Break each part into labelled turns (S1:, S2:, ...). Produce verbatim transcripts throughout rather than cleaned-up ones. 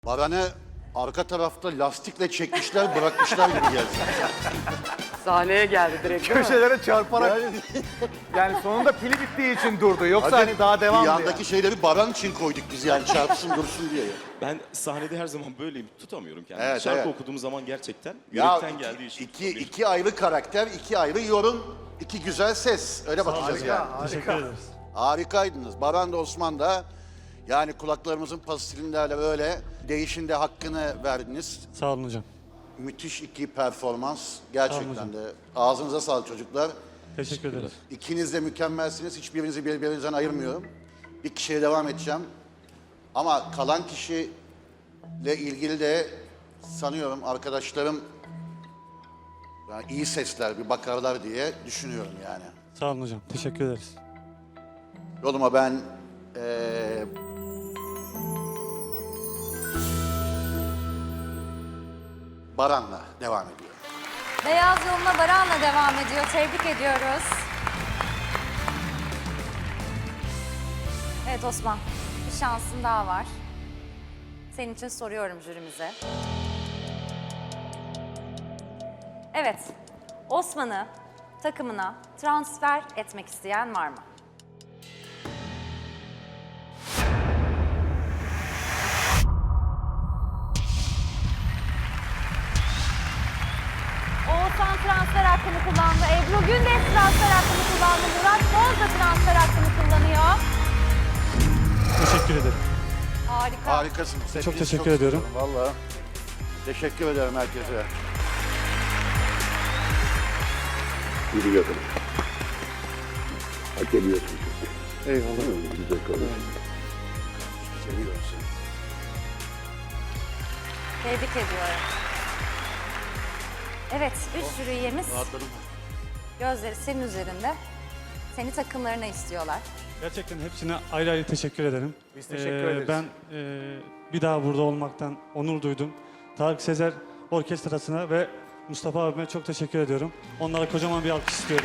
S1: Baran'ı arka tarafta lastikle çekmişler, bırakmışlar gibi geldi.
S2: Sahneye geldi direkt değil mi?
S3: Köşelere çarparak yani sonunda pili bittiği için durdu. Yoksa
S1: Hadi
S3: hani daha devam diye.
S1: yandaki şeyleri Baran için koyduk biz yani çarpsın dursun diye.
S4: Ben sahnede her zaman böyleyim. Tutamıyorum kendimi.
S1: Evet,
S4: Şarkı
S1: evet.
S4: okuduğum zaman gerçekten
S1: Ya
S4: yürekten
S1: iki,
S4: geldiği için.
S1: iki, iki ayrı karakter, iki ayrı yorum, iki güzel ses. Öyle bakacağız yani.
S3: Harika.
S1: Harikaydınız. Baran da Osman da yani kulaklarımızın pastillerle böyle değişinde hakkını verdiniz.
S5: Sağ olun hocam.
S1: Müthiş iki performans. Gerçekten
S5: hocam.
S1: de. Ağzınıza sağlık çocuklar.
S5: Teşekkür ederiz.
S1: İkiniz de mükemmelsiniz. Hiçbirinizi birbirinizden ayırmıyorum. Bir kişiye devam edeceğim. Ama kalan kişiyle ilgili de sanıyorum arkadaşlarım yani iyi sesler bir bakarlar diye düşünüyorum yani.
S5: Sağ olun hocam. Teşekkür ederiz.
S1: Yoluma ben eee Baran'la devam ediyorum.
S6: Beyaz yoluna Baran'la devam ediyor. Tebrik ediyoruz. Evet Osman, bir şansın daha var. Senin için soruyorum jürimize. Evet, Osman'ı takımına transfer etmek isteyen var mı? Oğuzhan transfer hakkını kullandı. Ebru Gündeş transfer hakkını kullandı. Murat Boz da transfer hakkını kullanıyor.
S5: Teşekkür ederim.
S6: Harika.
S1: Harikasınız.
S5: Çok
S1: Hepinizi
S5: teşekkür ediyorum.
S1: seviyorum, vallahi. Teşekkür ederim herkese.
S7: Yürüyorum. Hak ediyorsun çünkü.
S5: Eyvallah.
S7: Güzel konuşun.
S1: Seviyorum seni.
S6: Tebrik ediyorum. Evet, üç jüri üyemiz
S1: Rahatladım.
S6: gözleri senin üzerinde. Seni takımlarına istiyorlar.
S5: Gerçekten hepsine ayrı ayrı teşekkür ederim.
S3: Biz teşekkür ederiz.
S5: Ben e, bir daha burada olmaktan onur duydum. Tarık Sezer Orkestrası'na ve Mustafa abime çok teşekkür ediyorum. Onlara kocaman bir alkış istiyorum.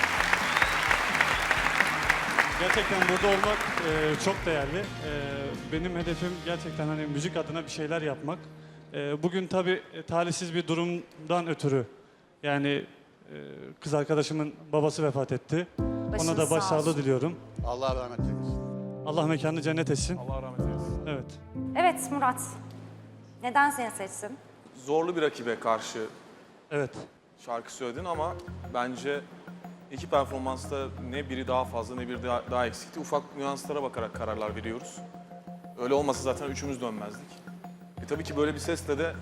S5: Gerçekten burada olmak e, çok değerli. E, benim hedefim gerçekten hani müzik adına bir şeyler yapmak. E, bugün tabii e, talihsiz bir durumdan ötürü yani e, kız arkadaşımın babası vefat etti. Ona
S6: Başınız
S5: da
S6: sağ
S5: başsağlığı
S6: olsun.
S5: diliyorum.
S1: Allah rahmet eylesin.
S5: Allah mekanını cennet etsin.
S3: Allah rahmet eylesin.
S5: Evet.
S6: Evet Murat, neden seni seçsin?
S8: Zorlu bir rakibe karşı
S5: Evet.
S8: şarkı söyledin ama bence iki performansta ne biri daha fazla ne biri daha, daha eksikti. Ufak nüanslara bakarak kararlar veriyoruz. Öyle olmasa zaten üçümüz dönmezdik. E tabii ki böyle bir sesle de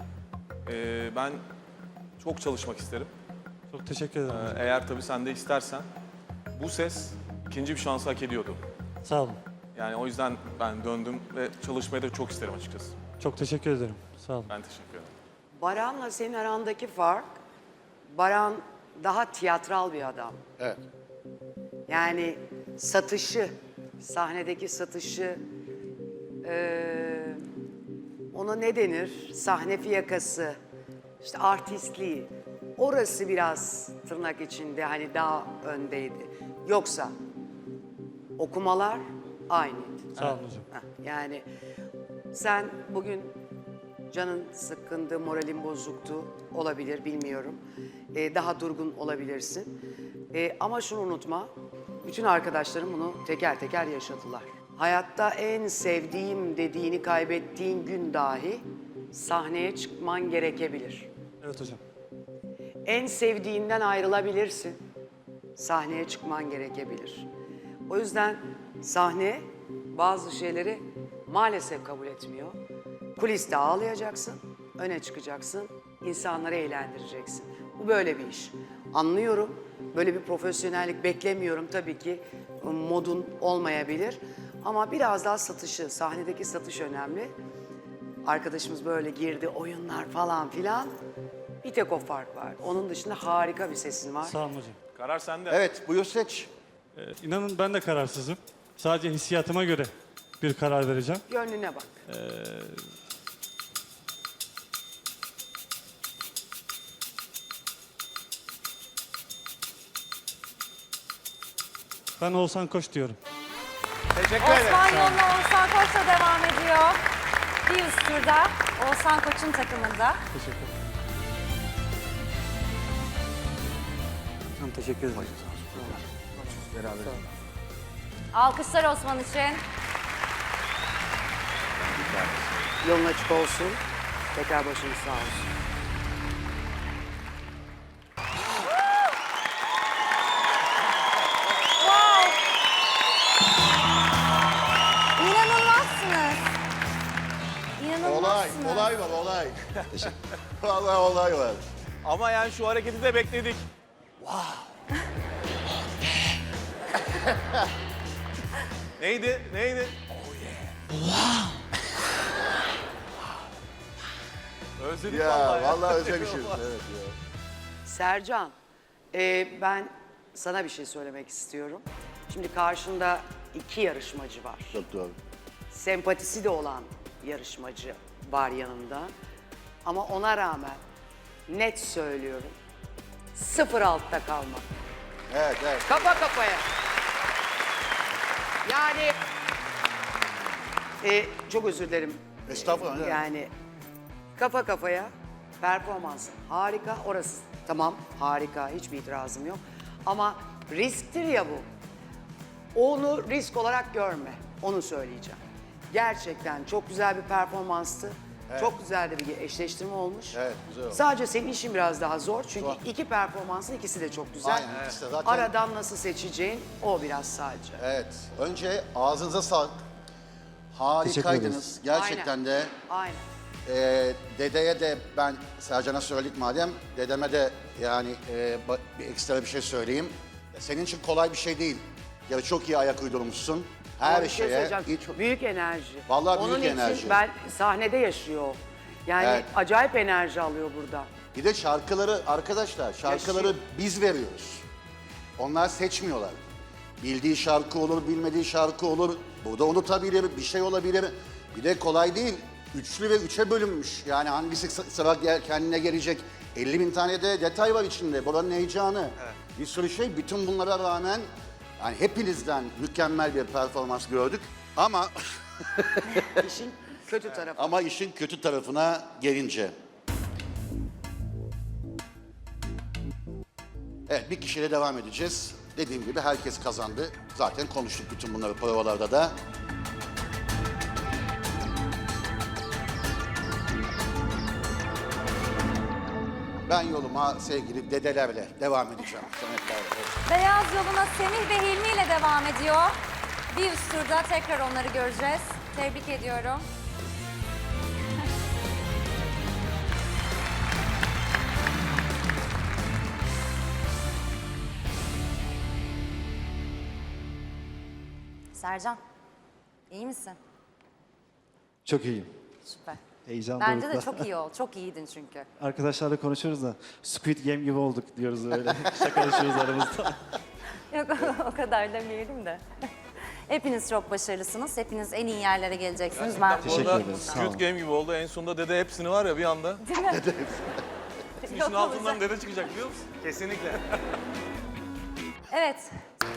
S8: e, ben çok çalışmak isterim.
S5: Çok teşekkür ederim.
S8: E,
S5: hocam.
S8: eğer tabii sen de istersen bu ses ikinci bir şansı hak ediyordu.
S5: Sağ olun.
S8: Yani o yüzden ben döndüm ve çalışmayı da çok isterim açıkçası.
S5: Çok teşekkür ederim. Sağ olun.
S8: Ben teşekkür ederim.
S2: Baran'la senin arandaki fark, Baran daha tiyatral bir adam.
S1: Evet.
S2: Yani satışı, sahnedeki satışı, eee, ona ne denir? Sahne fiyakası, işte artistliği. Orası biraz tırnak içinde hani daha öndeydi. Yoksa okumalar aynıydı.
S5: Sağ olun hocam.
S2: Heh, yani sen bugün canın sıkkındı, moralin bozuktu, olabilir bilmiyorum. Ee, daha durgun olabilirsin. Ee, ama şunu unutma, bütün arkadaşlarım bunu teker teker yaşadılar. Hayatta en sevdiğim dediğini kaybettiğin gün dahi sahneye çıkman gerekebilir.
S5: Evet hocam.
S2: En sevdiğinden ayrılabilirsin. Sahneye çıkman gerekebilir. O yüzden sahne bazı şeyleri maalesef kabul etmiyor. Kuliste ağlayacaksın, öne çıkacaksın, insanları eğlendireceksin. Bu böyle bir iş. Anlıyorum, böyle bir profesyonellik beklemiyorum tabii ki. Modun olmayabilir. Ama biraz daha satışı, sahnedeki satış önemli. Arkadaşımız böyle girdi, oyunlar falan filan. Bir tek o fark var. Onun dışında harika bir sesin var.
S5: Sağ olun hocam.
S8: Karar sende.
S1: Evet, buyur seç.
S5: Ee, inanın ben de kararsızım. Sadece hissiyatıma göre bir karar vereceğim.
S2: Gönlüne bak.
S5: Ben Oğuzhan Koç diyorum.
S3: Teşekkür ederim.
S6: Osman yoluna Oğuzhan Koç'la devam ediyor. Bir üst turda Oğuzhan Koç'un takımında.
S5: Teşekkür ederim. Tamam, teşekkür ederim.
S6: Alkışlar Osman için.
S2: Yolun açık olsun. Tekrar başınız sağ olsun.
S6: Wow! İnanılmazsınız.
S1: Olay,
S6: İnanılmazsınız.
S1: olay var, olay. Vallahi olay var.
S8: Ama yani şu hareketi de bekledik. Neydi? Neydi? Özledik
S1: Ya
S8: vallahi.
S1: vallahi özlemişiz. Evet ya.
S2: Sercan, e, ben sana bir şey söylemek istiyorum. Şimdi karşında iki yarışmacı var.
S1: Çok doğru.
S2: Sempatisi de olan yarışmacı var yanında. Ama ona rağmen net söylüyorum. Sıfır altta kalmak.
S1: Evet, evet.
S2: Kafa kafaya. Yani e, çok özür dilerim.
S1: Estağfurullah. evet.
S2: Yani kafa kafaya performans harika. Orası tamam harika, hiçbir itirazım yok. Ama risktir ya bu. Onu risk olarak görme. Onu söyleyeceğim. Gerçekten çok güzel bir performanstı. Çok güzel de bir eşleştirme olmuş.
S1: Evet, güzel oldu.
S2: Sadece senin işin biraz daha zor. Çünkü
S1: Zor.
S2: iki performansın ikisi de çok güzel.
S1: Aynen, ikisi de zaten-
S2: Aradan nasıl seçeceğin o biraz sadece.
S1: Evet. Önce ağzınıza sağlık. Harikaydınız. Gerçekten
S2: Aynen.
S1: de.
S2: Aynen.
S1: Ee, dedeye de ben Sercan'a söyledik madem. Dedeme de yani e, ba- bir ekstra bir şey söyleyeyim. Senin için kolay bir şey değil. Ya çok iyi ayak uydurmuşsun. Her
S2: Ama bir şey
S1: şeye.
S2: söyleyeceğim.
S1: hiç-
S2: Büyük enerji.
S1: Vallahi
S2: Onun
S1: büyük
S2: için
S1: enerji.
S2: ben sahnede yaşıyor. o. Yani
S1: Evet.
S2: acayip enerji alıyor burada.
S1: Bir de şarkıları arkadaşlar şarkıları
S2: Yaşıyor.
S1: biz veriyoruz. Onlar seçmiyorlar. Bildiği şarkı olur, bilmediği şarkı olur. Burada unutabilir, bir şey olabilir. Bir de kolay değil. Üçlü ve üçe bölünmüş. Yani hangisi sı- sıra gel- kendine gelecek. elli bin tane de detay var içinde. Buranın heyecanı. Bir sürü şey. Bütün bunlara rağmen yani hepinizden mükemmel bir performans gördük. Ama
S2: İşin kötü tarafı.
S1: ama işin kötü tarafına gelince. Evet, bir kişiyle devam edeceğiz. Dediğim gibi herkes kazandı. Zaten konuştuk bütün bunları provalarda da. Ben yoluma sevgili dedelerle devam edeceğim. Sametlerle.
S6: Beyaz yoluna Semih ve Hilmi ile devam ediyor. Bir üst turda tekrar onları göreceğiz. Tebrik ediyorum. Sercan, iyi misin?
S9: Çok iyiyim.
S6: Süper.
S9: Heyecan
S6: Bence de
S9: dorukta.
S6: çok iyi ol. Çok iyiydin çünkü.
S9: Arkadaşlarla konuşuyoruz da Squid Game gibi olduk diyoruz öyle. Şakalaşıyoruz aramızda.
S6: Yok o kadar demeyelim de. Hepiniz çok başarılısınız. Hepiniz en iyi yerlere geleceksiniz. Ben
S9: Teşekkür
S8: Orada
S9: ederim, sağ
S8: Squid
S9: olun.
S8: Game gibi oldu. En sonunda dede hepsini var ya bir anda.
S6: Değil mi?
S8: İşin altından dede çıkacak biliyor musun?
S3: Kesinlikle.
S6: Evet.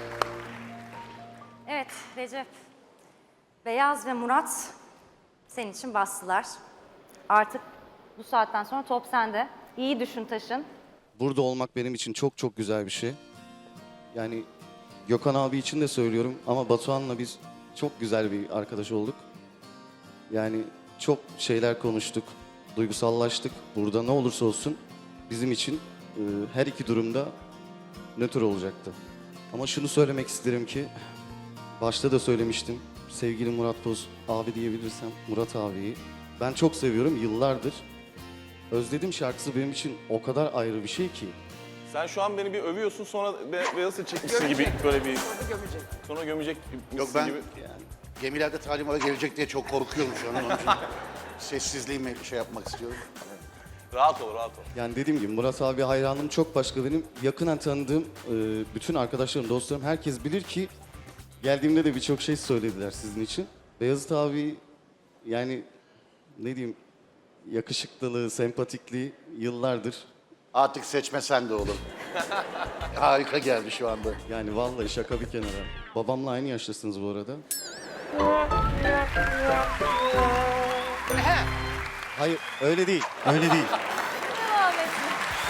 S6: Evet Recep. Beyaz ve Murat senin için bastılar. Artık bu saatten sonra top sende. İyi düşün taşın.
S10: Burada olmak benim için çok çok güzel bir şey. Yani Gökhan abi için de söylüyorum ama Batuhan'la biz çok güzel bir arkadaş olduk. Yani çok şeyler konuştuk, duygusallaştık. Burada ne olursa olsun bizim için e, her iki durumda nötr olacaktı. Ama şunu söylemek isterim ki, başta da söylemiştim. Sevgili Murat Boz abi diyebilirsem Murat abiyi ben çok seviyorum yıllardır. Özledim şarkısı benim için o kadar ayrı bir şey ki.
S8: Sen şu an beni bir övüyorsun sonra be beyazı çekmişsin gibi böyle bir
S2: Gömecek.
S8: sonra gömecek
S1: Yok ben
S8: gibi.
S1: gemilerde talimata gelecek diye çok korkuyorum şu an. Onun için sessizliğimi şey yapmak istiyorum.
S8: Rahat ol, rahat ol.
S10: Yani dediğim gibi Murat abi hayranım çok başka benim. Yakından tanıdığım e, bütün arkadaşlarım, dostlarım herkes bilir ki geldiğimde de birçok şey söylediler sizin için. Beyazıt abi yani ne diyeyim yakışıklılığı, sempatikliği yıllardır.
S1: Artık seçmesen de olur. Harika geldi şu anda.
S10: Yani vallahi şaka bir kenara. Babamla aynı yaştasınız bu arada. Hayır öyle değil. Öyle değil.
S6: Devam etsin.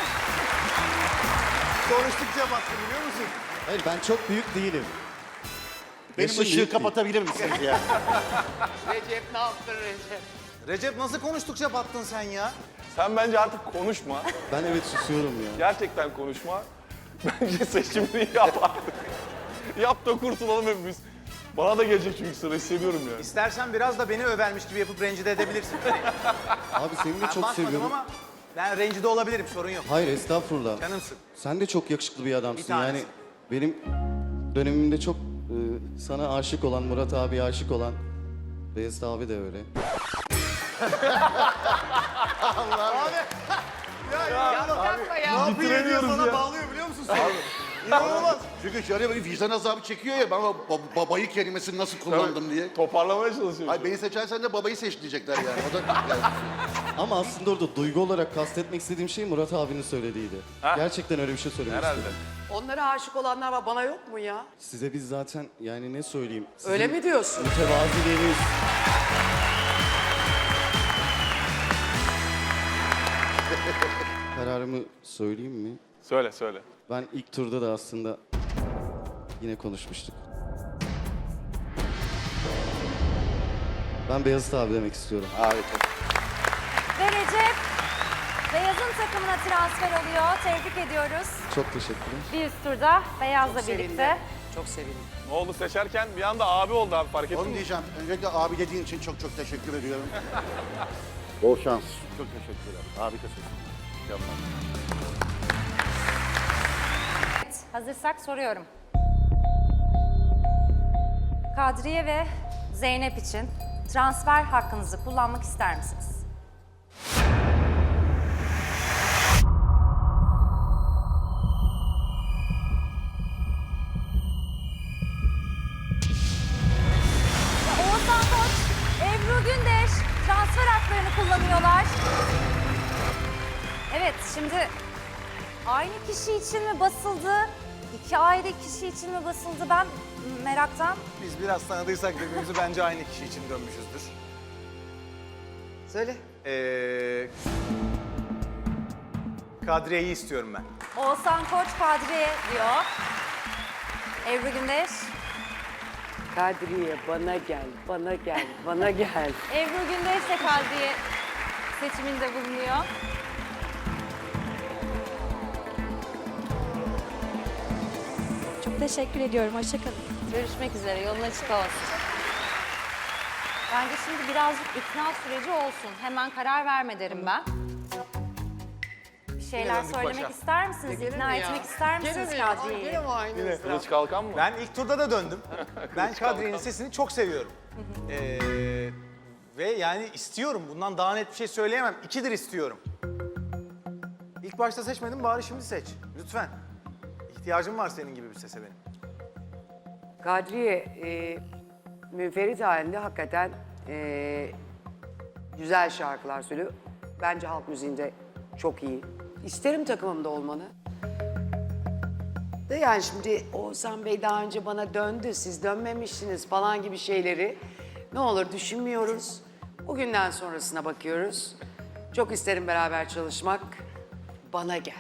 S3: Konuştukça battı biliyor musun?
S10: Hayır ben çok büyük değilim.
S1: Benim
S10: Yaşım
S1: ışığı
S10: büyük değil.
S1: kapatabilir misiniz ya?
S2: Recep ne yaptın Recep?
S3: Recep nasıl konuştukça battın sen ya?
S8: Sen bence artık konuşma.
S10: Ben evet susuyorum ya.
S8: Gerçekten konuşma. Bence seçimini yap artık. Yap da kurtulalım hepimiz. Bana da gelecek çünkü sıra hissediyorum yani.
S3: İstersen biraz da beni övermiş gibi yapıp rencide edebilirsin.
S10: Abi seni de
S3: Ben
S10: çok
S3: bakmadım
S10: seviyorum.
S3: ama ben rencide olabilirim, sorun yok.
S10: Hayır estağfurullah.
S3: Canımsın.
S10: Sen de çok yakışıklı bir adamsın.
S3: Bir tanesi.
S10: yani benim dönemimde çok e, sana aşık olan, Murat abiye aşık olan, Beyazıt abi de öyle.
S2: Yapma ya.
S3: Ne yapıyor diyor sana bağlıyor biliyor musun sen? İnanılmaz.
S1: Çünkü şöyle böyle vicdan azabı çekiyor ya, ben o ba- babayı kelimesini nasıl kullandım diye.
S8: Toparlamaya çalışıyorum.
S1: Ay beni seçersen de babayı seç diyecekler yani. O da yani.
S10: Ama aslında orada duygu olarak kastetmek istediğim şey Murat abinin söylediğiydi.
S8: Ha?
S10: Gerçekten öyle bir şey söylemek
S8: Herhalde.
S10: istedim.
S2: Onlara aşık olanlar var, bana yok mu ya?
S10: Size biz zaten yani ne söyleyeyim? Sizin
S2: Öyle mi diyorsun?
S10: Mütevaziliğiniz. Kararımı söyleyeyim mi?
S8: Söyle söyle.
S10: Ben ilk turda da aslında yine konuşmuştuk. Ben Beyazıt abi demek istiyorum.
S1: Harika.
S6: Ve Recep Beyaz'ın takımına transfer oluyor. Tebrik ediyoruz.
S10: Çok teşekkürler.
S6: Bir üst turda Beyaz'la
S2: Sevindim.
S6: birlikte.
S2: Çok sevindim.
S8: Ne oldu seçerken bir anda abi oldu abi, fark ettin
S1: Onu
S8: mi?
S1: diyeceğim. Öncelikle abi dediğin için çok çok teşekkür ediyorum. Bol şans. Çok teşekkürler. Harikasın. Mükemmel.
S6: Evet, hazırsak soruyorum. Kadriye ve Zeynep için transfer hakkınızı kullanmak ister misiniz? Ve Oğuzhan Koç, Ebru Gündeş transfer haklarını kullanıyorlar. Evet, şimdi aynı kişi için mi basıldı? İki ayrı kişi için mi basıldı? Ben meraktan.
S3: Biz biraz tanıdıysak birbirimizi bence aynı kişi için dönmüşüzdür.
S2: Söyle.
S3: Ee, Kadriye'yi istiyorum ben.
S6: Oğuzhan Koç Kadriye diyor. Ebru Gündeş.
S2: Kadriye bana gel, bana gel, bana gel.
S6: Ebru Gündeş de Kadriye seçiminde bulunuyor.
S11: Çok teşekkür ediyorum. Hoşçakalın.
S6: Görüşmek üzere. Yolun açık olsun. Bence şimdi birazcık ikna süreci olsun. Hemen karar verme derim ben. Bir şeyler
S3: döndük
S6: söylemek
S3: başa.
S6: ister misiniz? İkna etmek ister misiniz Kadriye'yi?
S2: aynı
S8: Kılıç kalkan mı?
S3: Ben ilk turda da döndüm. Ben Kadriye'nin sesini çok seviyorum. Ee, ve yani istiyorum. Bundan daha net bir şey söyleyemem. İkidir istiyorum. İlk başta seçmedim, bari şimdi seç. Lütfen. İhtiyacım var senin gibi bir sese benim.
S2: Kadriye, e, münferit halinde hakikaten e, güzel şarkılar söylüyor. Bence halk müziğinde çok iyi. İsterim takımımda olmanı. De yani şimdi Oğuzhan Bey daha önce bana döndü, siz dönmemişsiniz falan gibi şeyleri ne olur düşünmüyoruz. Bugünden sonrasına bakıyoruz. Çok isterim beraber çalışmak. Bana gel.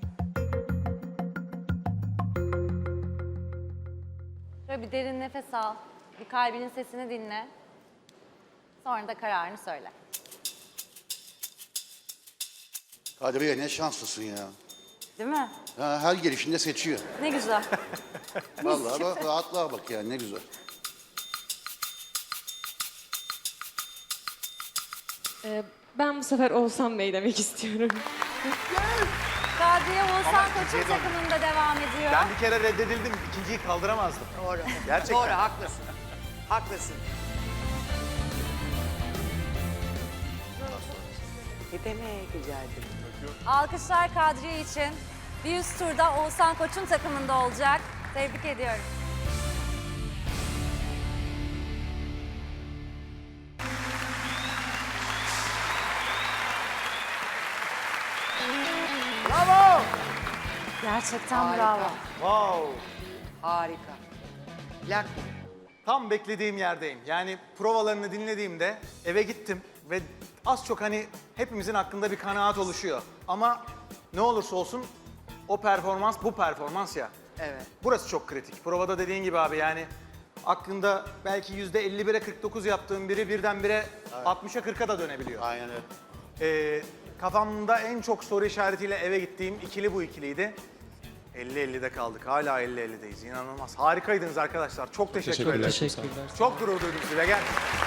S6: Şöyle bir derin nefes al. Bir kalbinin sesini dinle. Sonra da kararını söyle.
S1: Kadriye ne şanslısın ya.
S6: Değil mi?
S1: Ha, her gelişinde seçiyor.
S6: Ne güzel.
S1: Vallahi bak, rahatlığa bak yani, ne güzel.
S11: Ee, ben bu sefer Oğuzhan Bey demek istiyorum.
S6: Kadriye Oğuzhan
S3: Ama
S6: Koç'un
S3: ikinciye döndüm.
S6: takımında devam ediyor.
S3: Ben bir kere reddedildim, ikinciyi kaldıramazdım.
S2: Doğru.
S3: Gerçekten.
S2: Doğru, haklısın. Haklısın. Ne demek güzeldi.
S6: Alkışlar Kadriye için. Bir üst turda Oğuzhan Koç'un takımında olacak. Tebrik ediyorum.
S3: Bravo!
S6: Gerçekten
S2: Harika.
S6: bravo.
S3: Wow!
S2: Harika. Plak mı?
S3: Tam beklediğim yerdeyim. Yani provalarını dinlediğimde eve gittim. ve az çok hani hepimizin aklında bir kanaat oluşuyor. Ama ne olursa olsun o performans bu performans ya.
S2: Evet.
S3: Burası çok kritik. Provada dediğin gibi abi yani aklında belki yüzde elli bire kırk dokuz yaptığın biri birdenbire altmışa kırka da dönebiliyor.
S1: Aynen öyle.
S3: Ee, kafamda en çok soru işaretiyle eve gittiğim ikili bu ikiliydi. elli ellide kaldık. Hala elli ellideyiz. İnanılmaz. Harikaydınız arkadaşlar. Çok teşekkür ederim.
S4: Teşekkürler.
S3: Çok gurur duydum size. Gel.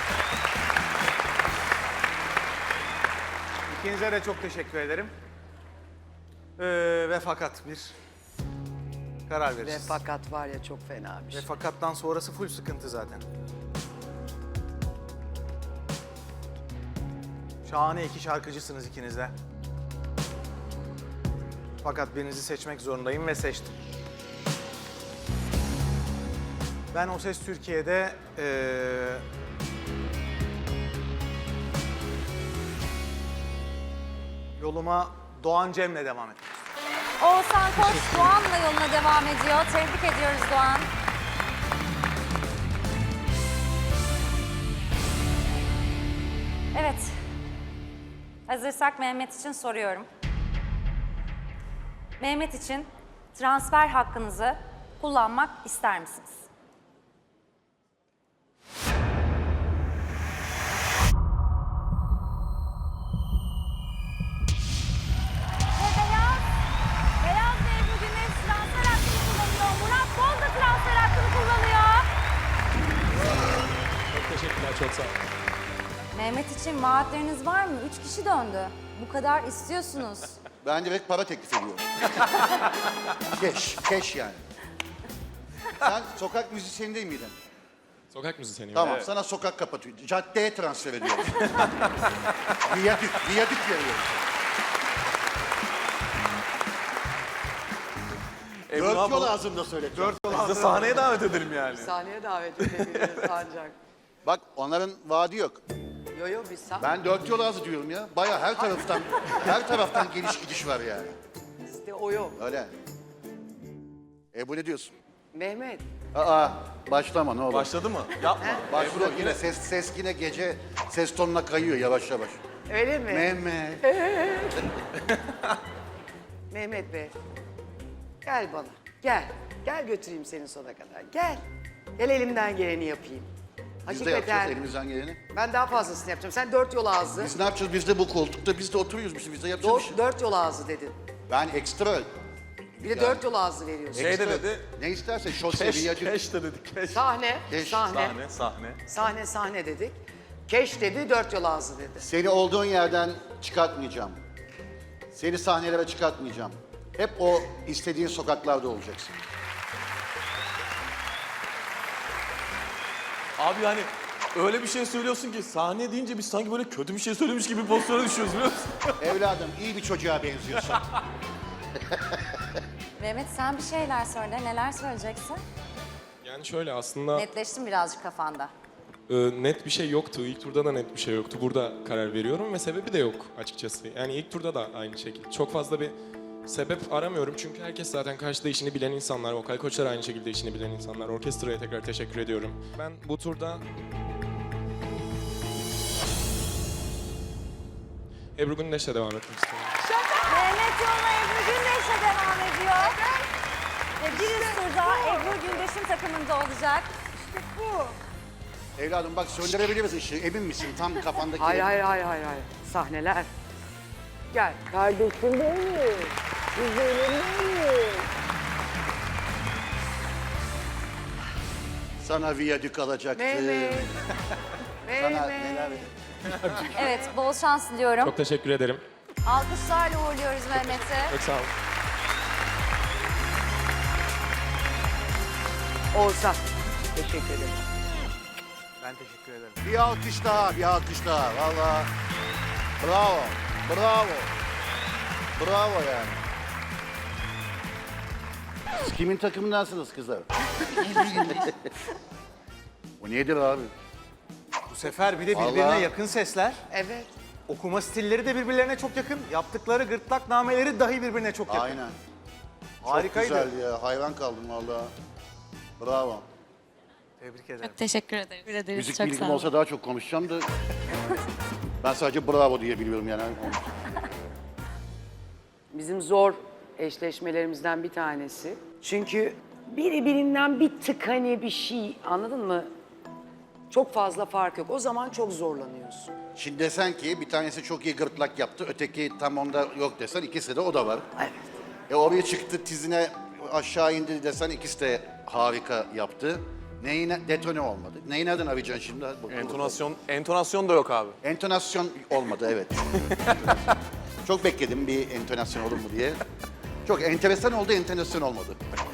S3: İkinize de çok teşekkür ederim. Ee, ve fakat bir karar
S2: Ve
S3: veririz.
S2: fakat var ya çok fena bir
S3: Ve
S2: şey.
S3: fakattan sonrası full sıkıntı zaten. Şahane iki şarkıcısınız ikiniz de. Fakat birinizi seçmek zorundayım ve seçtim. Ben O Ses Türkiye'de eee yoluma Doğan Cem'le devam ettim.
S6: Oğuzhan Koç Doğan'la yoluna devam ediyor. Tebrik ediyoruz Doğan. Evet. Hazırsak Mehmet için soruyorum. Mehmet için transfer hakkınızı kullanmak ister misiniz? Ve Beyaz, Beyaz Bey bugün de transfer hakkını kullanıyor. Murat Bol da transfer hakkını kullanıyor.
S4: Çok teşekkürler, çok sağ olun.
S6: Mehmet için vaatleriniz var mı? Üç kişi döndü. Bu kadar istiyorsunuz.
S1: Ben direkt para teklif ediyorum. Keş, keş yani. Sen sokak müzisyeni değil miydin?
S4: Sokak müzisyeniyim.
S1: Tamam, sana sokak kapatıyor. Caddeye transfer ediyoruz. viyadük, viyadük veriyoruz.
S8: E,
S1: Dört
S8: bunu
S1: yol
S8: yapalım.
S1: ağzımda söyletiyorum.
S8: Biz de sahneye davet edelim yani.
S2: Sahneye davet edebiliriz ancak.
S1: Bak onların vaadi yok.
S2: Yo yo biz sah-
S1: Ben dört yol ağzı diyorum ya. Baya her taraftan, her taraftan geliş gidiş var yani.
S2: bizde o yok.
S1: Öyle. E bu ne diyorsun?
S2: Mehmet,
S1: Aa, başlama ne olur.
S8: Başladı mı? Yapma.
S1: Başlıyor yine ses, ses yine gece ses tonuna kayıyor yavaş yavaş.
S2: öyle mi?
S1: Mehmet.
S2: Mehmet Bey, gel bana, gel. Gel götüreyim seni sona kadar, gel. Gel elimden geleni yapayım.
S1: Biz de yapacağız elimizden geleni.
S2: ben daha fazlasını yapacağım. Sen dört yol ağzı,
S1: Biz ne yapacağız? Biz de bu koltukta biz de oturuyoruz. Biz, biz de yapacağız bir
S2: dört,
S1: şey.
S2: dört yol ağzı dedin.
S1: Ben ekstra.
S2: Bir de dört yol ağzı veriyorsun.
S8: Şey de
S1: ekstra-
S8: dedi.
S1: Ne isterse şose,
S8: Keş,
S1: viyadük.
S8: keş de dedik. Keş.
S2: Sahne,
S1: Keş,
S2: sahne,
S8: Sahne, sahne.
S2: sahne, sahne dedik. Keş dedi, dört yol ağzı dedi.
S1: Seni olduğun yerden çıkartmayacağım. Seni sahnelere çıkartmayacağım. Hep o istediğin sokaklarda olacaksın.
S8: Abi yani öyle bir şey söylüyorsun ki sahne deyince biz sanki böyle kötü bir şey söylemiş gibi bir pozisyona düşüyoruz biliyor musun?
S1: Evladım iyi bir çocuğa benziyorsun.
S6: Mehmet sen bir şeyler söyle. Neler söyleyeceksin?
S12: Yani şöyle aslında
S6: Netleştim birazcık kafanda.
S12: e, net bir şey yoktu. İlk turda da net bir şey yoktu. Burada karar veriyorum ve sebebi de yok açıkçası. Yani ilk turda da aynı şekilde. Çok fazla bir sebep aramıyorum çünkü herkes zaten karşıda işini bilen insanlar. Vokal koçlar aynı şekilde işini bilen insanlar. Orkestraya tekrar teşekkür ediyorum. Ben bu turda Ebru Gündeş'le devam etmek istiyorum.
S6: Mehmet yoluna Ebru Gündeş'e devam ediyor. Ve bir üst turda Ebru Gündeş'in takımında olacak.
S1: Evladım bak söndürebiliriz ışığı. Emin misin? Tam kafandaki...
S2: Hayır, hayır, hayır, hayır, hayır. Sahneler. Gel. Kardeşim benim. Güzelim benim.
S1: Sana viyadük alacaktım.
S2: Mehmet.
S1: Sana
S2: Mehmet.
S1: neler...
S6: Evet, bol şans diliyorum.
S12: Çok teşekkür ederim.
S6: Alkışlarla uğurluyoruz Mehmet'i.
S12: Çok sağ olun.
S2: Oğuzhan. Teşekkür ederim.
S3: Ben teşekkür ederim.
S1: Bir alkış daha, bir alkış daha. Valla. Bravo, bravo. Bravo yani. Siz kimin takımındansınız kızlar? Bu nedir abi?
S3: Bu sefer bir de birbirine
S1: Vallahi-
S3: yakın sesler.
S2: Evet.
S3: Okuma stilleri de birbirlerine çok yakın. Yaptıkları gırtlak nameleri dahi birbirine çok yakın.
S1: Aynen.
S3: Harikaydı.
S1: Çok güzel ya. Hayran kaldım valla. Bravo.
S3: Tebrik ederim.
S11: Teşekkür ederim.
S1: Müzik bilgim olsa daha çok konuşacağım da. Ben sadece bravo diye biliyorum yani.
S2: Bizim zor eşleşmelerimizden bir tanesi. Çünkü biri birinden bir tık hani bir şey, anladın mı? Çok fazla fark yok. O zaman çok zorlanıyorsun.
S1: Şimdi desen ki bir tanesi çok iyi gırtlak yaptı, öteki tam onda yok desen ikisi de o da var.
S2: Evet.
S1: E oraya çıktı tizine aşağı indi desen ikisi de harika yaptı. Neyine detone olmadı. Neyi nereden arayacaksın şimdi? Bu-
S8: Entonasyon, entonasyon da yok abi.
S1: Entonasyon olmadı evet. Çok bekledim bir entonasyon olur mu diye. Çok enteresan oldu, entonasyon olmadı.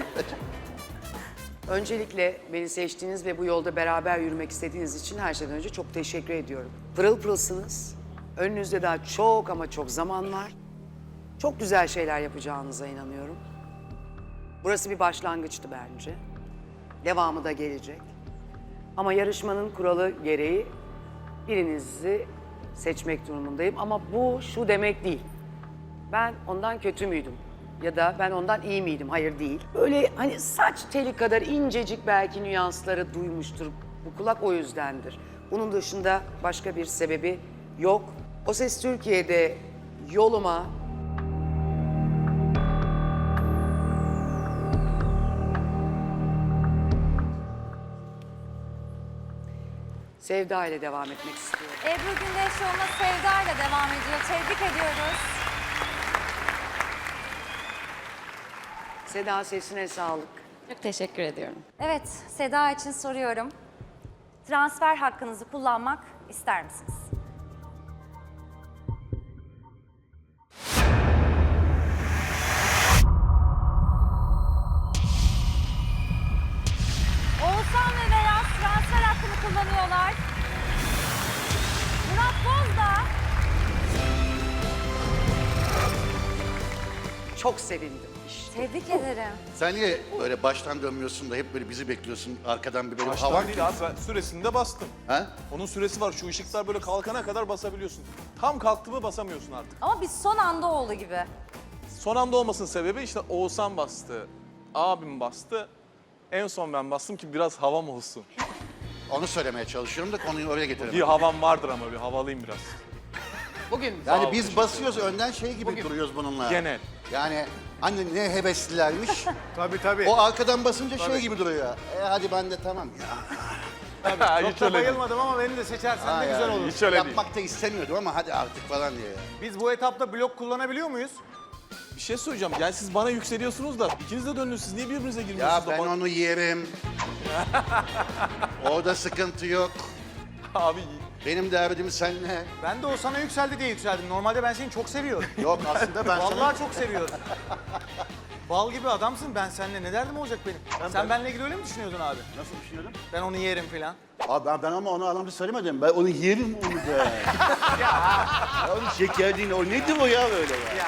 S2: Öncelikle beni seçtiğiniz ve bu yolda beraber yürümek istediğiniz için her şeyden önce çok teşekkür ediyorum. Pırıl pırılsınız. Önünüzde daha çok ama çok zaman var. Çok güzel şeyler yapacağınıza inanıyorum. Burası bir başlangıçtı bence. Devamı da gelecek. Ama yarışmanın kuralı gereği birinizi seçmek durumundayım. Ama bu şu demek değil. Ben ondan kötü müydüm? Ya da ben ondan iyi miydim? Hayır değil. Böyle hani saç teli kadar incecik belki nüansları duymuştur. Bu kulak o yüzdendir. Bunun dışında başka bir sebebi yok. O Ses Türkiye'de yoluma Sevda ile devam etmek istiyorum.
S6: Ebru Gündeş yoluna Sevda ile devam ediyor. Tebrik ediyoruz.
S2: Seda sesine sağlık.
S11: Çok teşekkür ediyorum.
S6: Evet, Seda için soruyorum. Transfer hakkınızı kullanmak ister misiniz? Oğuzhan ve Beyaz transfer hakkını kullanıyorlar. Murat Boz da
S2: Çok sevindim işte.
S6: tebrik ederim.
S1: Sen niye böyle baştan dönmüyorsun da hep böyle bizi bekliyorsun arkadan bir böyle
S8: Baştan
S1: hava?
S8: değil abi, ben süresinde bastım.
S1: Ha?
S8: Onun süresi var, şu ışıklar böyle kalkana kadar basabiliyorsun. Tam kalktı mı basamıyorsun artık.
S6: Ama biz son anda oldu gibi.
S8: Son anda olmasının sebebi işte Oğuzhan bastı, abim bastı. En son ben bastım ki biraz havam olsun.
S1: Onu söylemeye çalışıyorum da konuyu oraya
S8: Bir
S1: getirelim.
S8: havam vardır ama bir havalıyım biraz.
S2: Bugün
S1: Yani
S8: ol,
S1: biz
S8: teşekkür
S1: basıyoruz önden şey gibi duruyoruz bununla.
S8: Genel.
S1: Yani hani ne heveslilermiş.
S3: Tabii tabii.
S1: O arkadan basınca şey gibi duruyor. E hadi ben de tamam ya.
S3: Çok da bayılmadım ama beni de seçersen
S1: Ha
S3: de güzel
S1: yani,
S3: olur.
S8: Hiç öyle değil.
S1: Yapmak da istemiyordum ama hadi artık falan diye.
S3: Biz bu etapta blok kullanabiliyor muyuz?
S8: Bir şey söyleyeceğim. Yani siz bana yükseliyorsunuz da ikiniz de döndünüz. Siz niye birbirinize
S1: Ya
S8: girmiyorsunuz?
S1: ben
S8: da bak-
S1: onu yerim. Orada sıkıntı yok.
S8: Abi
S1: Benim derdim seninle.
S3: Ben de o sana yükseldi diye yükseldim. Normalde ben seni çok seviyorum.
S1: Yok aslında ben sana...
S3: Vallahi çok seviyorum. Bal gibi adamsın. Ben seninle ne derdim olacak benim? Sen benimle ilgili öyle mi düşünüyordun abi?
S1: Nasıl düşünüyordun?
S3: Ben onu yerim falan.
S1: Abi ben, ben ama onu anlamda söylemedim. Ben onu yerim onu da. ya onun şekerliğini, o nedir o ya böyle ya?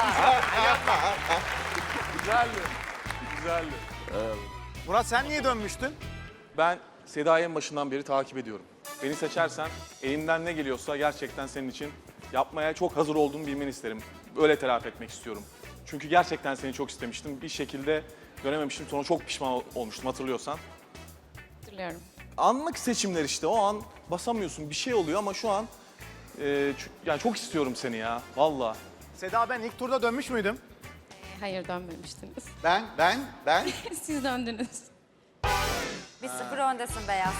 S8: güzeldi. Güzeldi.
S3: Murat sen niye dönmüştün?
S8: Ben Seda'yı en başından beri takip ediyorum. Beni seçersen elimden ne geliyorsa gerçekten senin için yapmaya çok hazır olduğumu bilmeni isterim. Öyle telafi etmek istiyorum. Çünkü gerçekten seni çok istemiştim. Bir şekilde dönememiştim. Sonra çok pişman ol- olmuştum hatırlıyorsan.
S11: Hatırlıyorum.
S8: Anlık seçimler işte. O an basamıyorsun. Bir şey oluyor ama şu an e, ç- yani çok istiyorum seni ya. Vallahi.
S3: Seda ben ilk turda dönmüş müydüm?
S11: Hayır dönmemiştiniz.
S1: Ben, ben, ben.
S11: Siz döndünüz.
S6: Bir sıfır öndesin Beyaz.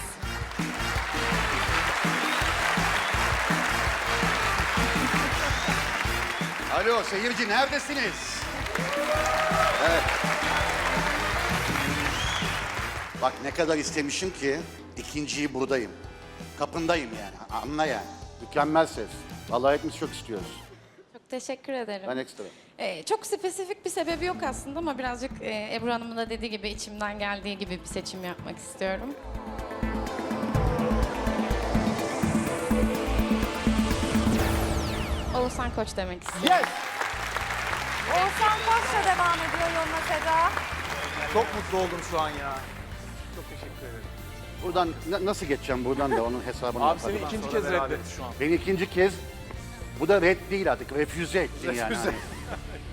S1: Alo seyirci neredesiniz? Evet. Bak ne kadar istemişim ki ikinciyi buradayım. Kapındayım yani. Anla yani. Mükemmel ses. Vallahi hepimiz çok istiyoruz.
S11: Çok teşekkür ederim.
S1: Ben ekstra.
S11: Ee, çok spesifik bir sebebi yok aslında ama birazcık e, Ebru Hanım'ın da dediği gibi içimden geldiği gibi bir seçim yapmak istiyorum. Oğuzhan Koç demek istiyorum.
S3: Yes!
S6: Oğuzhan Koç'la devam ediyor yoluna Seda.
S3: Çok mutlu oldum şu an ya. Çok teşekkür ederim.
S1: Buradan na- nasıl geçeceğim buradan da onun hesabını
S8: Abi
S1: yaparım.
S8: seni ikinci
S3: sonra
S8: kez
S3: beraber.
S8: reddetti şu an.
S1: Beni ikinci kez, bu da red değil artık, refüze ettin yani.
S3: Refüze.